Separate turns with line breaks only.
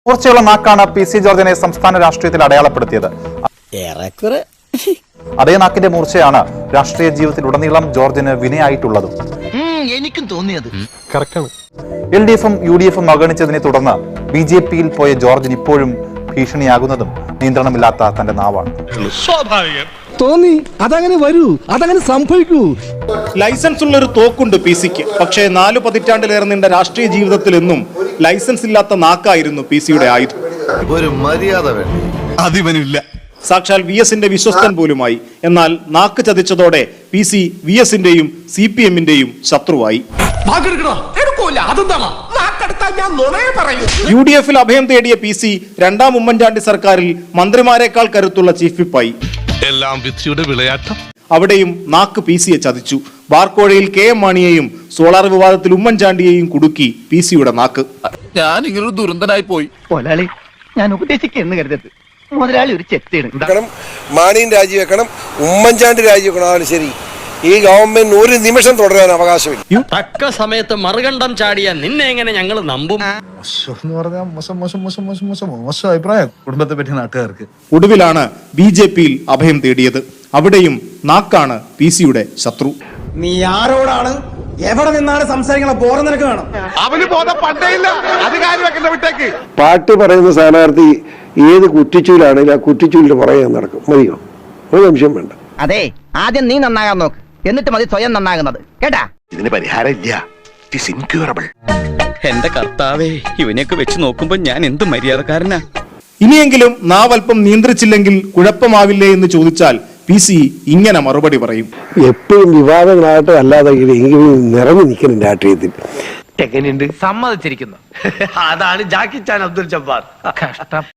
മൂർച്ചയുള്ള നാക്കാണ് PC ജോർജിനെ സംസ്ഥാന രാഷ്ട്രീയത്തിൽ അടയാളപ്പെടുത്തിയത്. അതേ നാക്കിന്റെ മൂർച്ചയാണ് രാഷ്ട്രീയ ജീവിതത്തിൽ ഉടനീളം ജോർജിന് വിനയായിട്ടുള്ളതും.
എനിക്കും തോന്നിയത്
LDF-ഉം UDF-ഉം അവഗണിച്ചതിനെ തുടർന്ന് BJP-യിൽ പോയ ജോർജിന് ഇപ്പോഴും ഭീഷണിയാകുന്നതും നിയന്ത്രണമില്ലാത്ത തന്റെ നാവാണ്.
തോന്നി അതങ്ങനെ വരൂ, അതങ്ങനെ സംഭവിക്കൂ.
ലൈസൻസ് ഉള്ളൊരു തോക്കുണ്ട് PC-ക്ക്. പക്ഷേ 4 പതിറ്റാണ്ടിലേറെ നീണ്ട രാഷ്ട്രീയ ജീവിതത്തിൽ എന്നും ലൈസൻസ് ഇല്ലാത്ത നാക്കായിരുന്നു PC-യുടെ ആയുധം.
ഒരു മര്യാദ അതിവനില്ല.
സാക്ഷാൽ VS-ന്റെ വിശ്വസ്തൻ പോലുമായി. എന്നാൽ നാക്ക് ചതിച്ചതോടെ PC VS-ന്റെയും CPM-ന്റെയും ശത്രുവായി. UDF-ൽ അഭയം തേടിയ PC രണ്ടാം ഉമ്മൻചാണ്ടി സർക്കാരിൽ മന്ത്രിമാരെക്കാൾ കരുത്തുള്ള ചീഫ് വിപ്പായി.
എല്ലാം വിധിയുടെ വിളയാട്ടം.
അവിടെയും നാക്ക് PC-യെ ചതിച്ചു. ബാർക്കോഴയിൽ KM മാണിയെയും സോളാർ വിവാദത്തിൽ ഉമ്മൻചാണ്ടിയെയും കുടുക്കി PC-യുടെ നാക്ക്.
ഞാൻ ഇങ്ങനൊരു ദുരന്തനായി പോയി.
മുതലാളി, ഞാൻ ഉപദേശിക്കുന്നു കരുതരുത്. മുതലാളി ഒരു ചെത്തിയാണ്.
മാണിയും രാജിവെക്കണം, ഉമ്മൻചാണ്ടി രാജിവെക്കണം. ശരി, ഈ ഗവൺമെന്റ് ഒരു നിമിഷം തുടരാൻ അവകാശമില്ല.
തക്ക സമയത്ത് മറുകണ്ഠം ചാടിയ നിന്നെ എങ്ങനെ ഞങ്ങൾ നമ്പും?
മോശം അഭിപ്രായം കുടുംബത്തെ പറ്റി നാട്ടുകാർക്ക്.
ഒടുവിലാണ് BJP-യിൽ അഭയം തേടിയത്. അവിടെയും നാക്കാണ് PC-യുടെ ശത്രു.
നീ ആരോടാണ് എവിടെ നിന്നാണ് സംസാരിക്കണ ബോധം നിനക്ക് വേണം.
അവന് ബോധം പണ്ടേയില്ല. അധികാരി വെക്കുന്ന വിട്ടേക്ക്.
പാട്ട് പറയുന്ന സ്ഥാനാർത്ഥി ഏത് കുറ്റിച്ചൂലാണെങ്കിലും ആ കുറ്റിച്ചൂലിന്റെ പുറകെ നടക്കും. മതിയോ? ഒരു സംശയം വേണ്ട.
അതെ, ആദ്യം നീ നന്നാകാൻ നോക്ക്, എന്നിട്ട് മതി സ്വയം നന്നാകുന്നത്. കേട്ടാ?
ഇതിന് പരിഹാരം ഇല്ല. ഇൻക്യൂറബിൾ.
എന്റെ കർത്താവേ, ഇവനെയൊക്കെ വെച്ച് നോക്കുമ്പോ ഞാൻ എന്ത് മര്യാദക്കാരനാ.
ഇനിയെങ്കിലും നാവൽപ്പം നിയന്ത്രിച്ചില്ലെങ്കിൽ കുഴപ്പമാവില്ലേ എന്ന് ചോദിച്ചാൽ PC ഇങ്ങനെ മറുപടി പറയും.
എപ്പോഴും വിവാദങ്ങളായിട്ട് അല്ലാതെ എങ്കിലും നിറഞ്ഞു നിൽക്കണം രാഷ്ട്രീയത്തിൽ.
എങ്ങനെയുണ്ട്? സമ്മതിച്ചിരിക്കുന്നു. അതാണ് ജാക്കി ചാൻ അബ്ദുൽ ജബ്ബാർ. കഷ്ടം.